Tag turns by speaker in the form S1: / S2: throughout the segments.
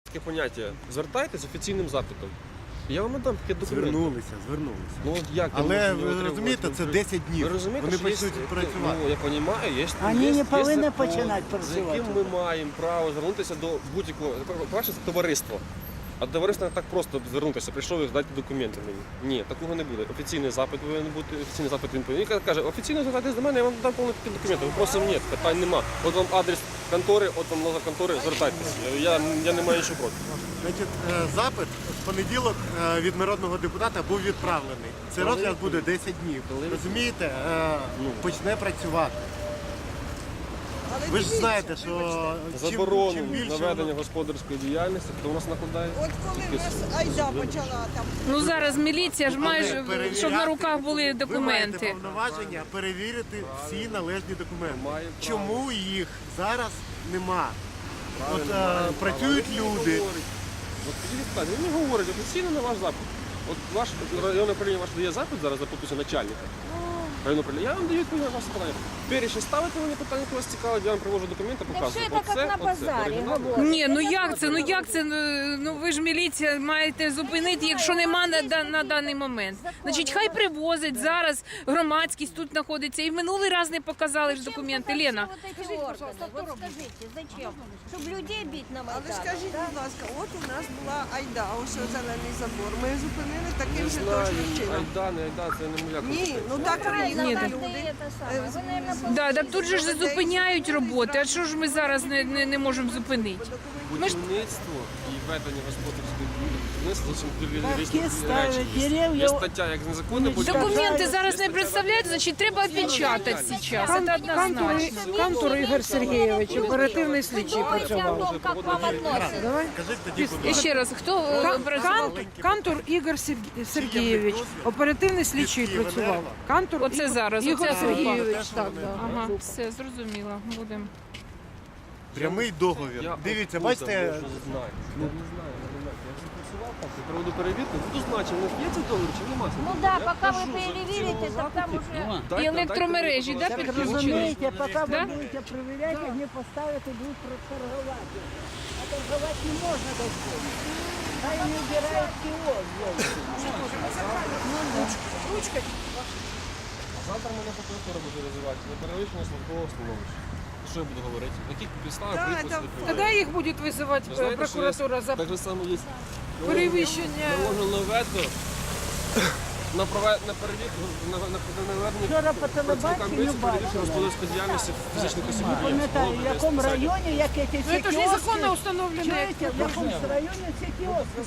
S1: Таке поняття. Звертайтесь з офіційним запитом. Я вам надам таке документи.
S2: Звернулися.
S1: Ну, от як
S2: Але
S1: ви
S2: ви розумієте, це 10 днів.
S1: Ви розумієте,
S2: Вони
S1: що є,
S2: почнуть працювати.
S1: Ну, я розумію, є,
S3: Вони не повинні
S1: закон,
S3: починати
S1: за
S3: працювати.
S1: яким ми маємо право звернутися до будь-якого. По-перше, це товариство. А до товариства не так просто звернутися, прийшов і здати документи мені. Ні, такого не буде. Офіційний запит повинен бути, офіційний запит він повинен. Він каже, офіційно звертайтесь до мене, я вам дам повні документи. Вопросів ні, питань нема. От вам адрес контори, от вам номер контори, звертайтеся. Я не маю нічого проти.
S2: Значить, запит в понеділок від народного депутата був відправлений. Цей розгляд буде 10 днів. Розумієте, почне працювати. Ви ж знаєте, що
S1: Заборону
S2: чим більше
S1: наведення господарської діяльності, то у нас накладає.
S4: От коли в нас Айда почала там.
S5: Ну зараз міліція ж майже, щоб на руках були
S2: ви маєте
S5: документи.
S2: повноваження перевірити всі належні документи.
S1: Має право.
S2: Чому їх зараз нема? От
S1: Правильно,
S2: працюють
S1: але він не
S2: люди.
S1: говорить. От підійдіть, питання, він не говорить офіційно на ваш запит. От ваш районне управління ваш дає запит зараз за підпису начальника. Районне управління. Я вам даю відповідь на ваше питання. Перші ставите мені питання, яке вас цікавить, я вам привожу документи, показую.
S6: все це як на базарі говорять.
S5: Ні, ну як це? Ну ви ж міліція маєте зупинити, якщо нема на даний момент. Значить, хай привозять зараз, громадськість тут знаходиться. І в минулий раз не показали ж документи. Лена.
S6: Скажіть, пожалуйста, вот скажите, зачем? Щоб людей бить на
S4: Але
S6: Майдані.
S4: скажіть, будь ласка, от у нас була Айда, ось зелений забор. Ми зупинили таким
S1: Не
S4: же
S1: знаю,
S4: точним чином.
S1: айда, не айда, це не моя
S4: Ні,
S1: компетенція.
S4: ну так приїхали
S5: Ні,
S4: люди.
S5: Да, так тут же ж зупиняють роботи. А що ж ми зараз не можемо зупинити?
S1: Будівництво і ведення господарської будівництва
S3: Парки
S1: різні
S3: ставлять,
S1: речі. Є
S3: дерев'я.
S1: стаття як незаконне будівництво.
S5: Документи зараз не представляють, значить треба опечатати зараз. Це однозначно.
S3: Кантор Ігор Сергійович, оперативний слідчий працював.
S6: Как вам относится?
S3: Давай.
S2: Скажіть тоді, будь
S5: І
S2: ласка.
S5: ще раз, хто працював?
S3: Кантор Ігор Сергійович, оперативний слідчий працював. Кантор
S5: Оце зараз,
S3: Ігор
S5: оце
S3: Сергійович,
S2: теж
S3: так,
S2: вони.
S3: да.
S5: Ага, все, зрозуміло. Будемо.
S2: Прямий договір.
S1: Я
S2: Дивіться,
S1: откуда
S2: бачите,
S1: можу знати? Я не знаю. Я вже працював так, я проведу перевірку, буду знати, чи в нас є цей договір, чи немає.
S6: Ну да, пока вы перевірите, так там уже...
S5: І електромережі, да, підключені?
S3: Розумієте, поки
S5: Да?
S3: ви будете перевіряти, вони поставити, будуть торгувати. А торгувати не можна до цього. Хай не вбирають кіоск.
S1: Завтра мене прокуратура буде визивати на перевищення службового становища. Що я буду говорити? На яких підставах
S4: Так,
S1: приписи
S4: так.
S1: не
S3: Тоді їх буде визивати
S1: Ви знаєте, що
S3: прокуратура
S1: є,
S3: за
S1: так же само є
S3: перевищення.
S1: наложено вето на перевірку, на наведення
S3: Вчора по
S1: працівникам
S3: телебаченню
S1: поліції перевірки
S3: бачила.
S1: господарської діяльності фізичних осіб.
S3: Пам'ятаю, в якому районі, як ці
S5: Ну це ж
S3: кіоски.
S5: незаконно встановлено.
S3: Чуєте, в якому районі ці кіоски.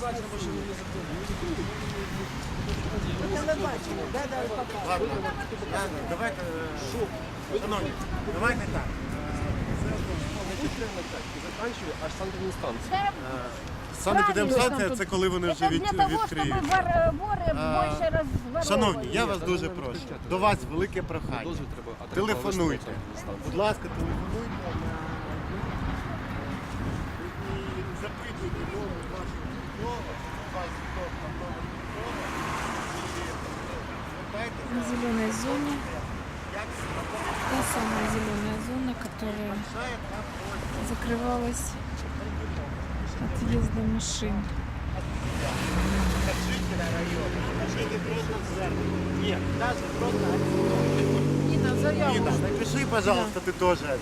S3: По телебаченню, да, показують.
S2: ладно, давайте, шановні, давайте так.
S1: Заканчує аж санкт-інстанція.
S2: Санепідемстанція – це коли вони вже
S6: Это для того, чтобы
S2: відкриють.
S6: воры больше разворовывали.
S2: Шановні, я вас дуже прошу. До вас велике прохання.
S1: Дозвіл треба, а треба
S2: Телефонуйте.
S1: виставити санкт-інстанцію.
S2: Будь ласка, телефонуйте і запитуйте номер вашого військового, вас хто там номер військового, і звертайтеся.
S5: В зеленой зоне,
S2: Як
S5: та самая зеленая зона, которая
S2: вважає на просьбу.
S5: закрывалась отъезда машин.
S2: Жителя району. Напишите просто звернення. Ні, навіть просто.
S3: Ніна, заяву.
S2: Ніна, напиши, пожалуйста, ти теж.